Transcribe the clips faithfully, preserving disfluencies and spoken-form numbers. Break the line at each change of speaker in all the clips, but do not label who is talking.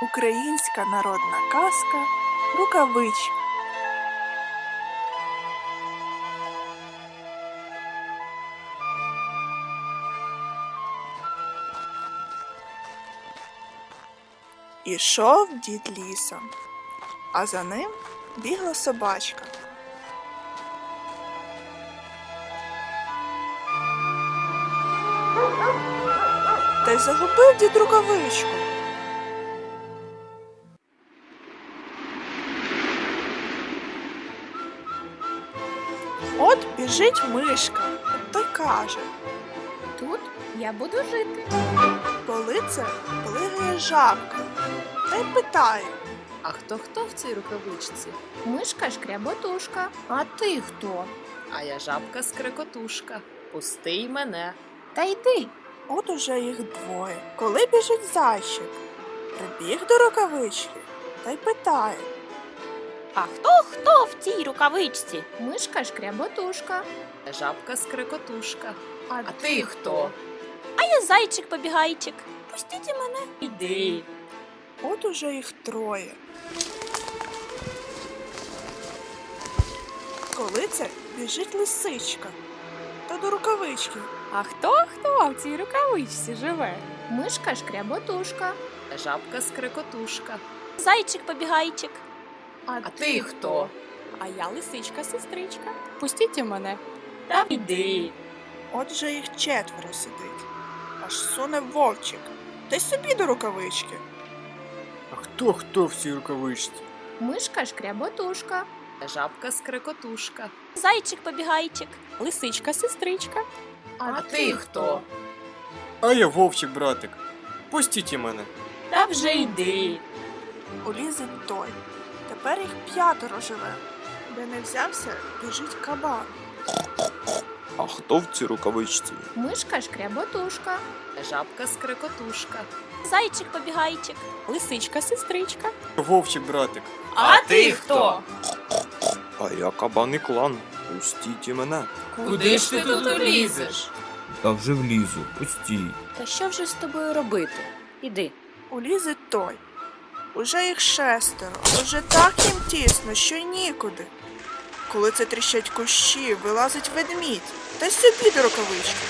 Українська народна казка «Рукавичка». Ішов дід лісом, а за ним бігла собачка. Та й загубив дід рукавичку. От біжить мишка, та й каже:
Тут я буду жити.
по лице плигає жабка, та й питає:
А хто-хто в цій рукавичці?
Мишка шкряботушка. А ти хто?
А я жабка-скрекотушка. Пусти й мене.
Та йди.
от уже їх двоє. Коли біжить зайчик, прибіг до рукавички, та й питає:
А хто хто в цій рукавичці?
Мишка шкряботушка.
Я жабка-скрекотушка.
А,
А ти хто?
А я зайчик-побігайчик. Пустіть мене.
Іди.
от уже їх троє. Коли це біжить лисичка, та до рукавички.
А хто хто в цій рукавичці живе?
Мишка шкряботушка.
Я жабка-скрекотушка.
Зайчик-побігайчик.
А,
А ти хто?
А я лисичка-сестричка.
Пустіть мене.
Та іди.
От же їх четверо сидить. Аж суне вовчик, та й собі до рукавички.
А хто хто в цій рукавичці?
Мишка шкряботушка.
Я жабка-скрекотушка.
Зайчик-побігайчик. Лисичка-сестричка.
А ти хто?
А я вовчик, братик. Пустіть і мене.
Та вже йди.
Улізить той. Тепер їх п'ятеро живе. Де не взявся, біжить кабан.
А хто в цій рукавичці?
Мишка шкряботушка.
Я жабка-скрекотушка.
Зайчик-побігайчик. Лисичка-сестричка.
Вовчик, братик.
А ти хто?
А я кабан і клан. Пустіть і мене.
Куди ж ти тут улізеш?
Та вже влізу, пустій.
Та що вже з тобою робити? Іди.
Улізить той. Уже їх шестеро, уже так їм тісно, що й нікуди. Коли це тріщать кущі, вилазить ведмідь, та й собі до рукавички.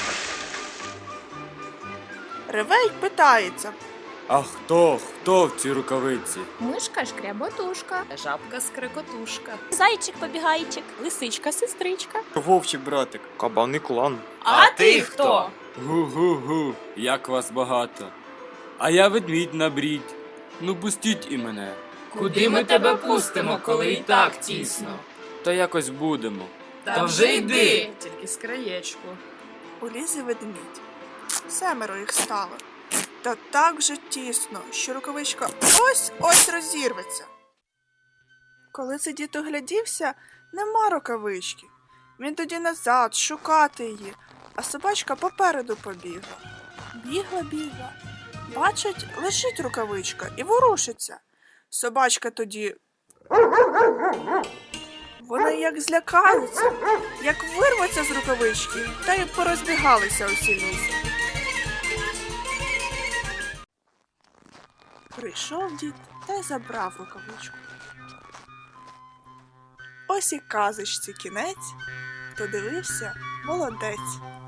Реве й питається:
А хто хто в цій рукавиці?
Мишка шкряботушка.
Я жабка-скрекотушка.
Зайчик-побігайчик. Лисичка-сестричка.
Вовчик, братик.
Кабан і клан.
А ти хто?
Гу-гу-гу, як вас багато. А я ведмідь на брідь. Ну пустіть і мене.
Куди ми тебе пустимо, коли і так тісно?
Та якось будемо.
Та вже йди. Тільки з краєчку.
улізе ведмідь. Семеро їх стало. Та так вже тісно, що рукавичка ось-ось розірветься. Коли це дід оглядівся, нема рукавички. Він тоді назад шукати її, а собачка попереду побігла. Бігла-бігла. Бачить, лежить рукавичка і ворушиться. Собачка тоді... Вони як злякаються, як вирваться з рукавички, та й порозбігалися усі лісом. Прийшов дід та й забрав рукавичку. Ось і казочці кінець, хто дивився, молодець.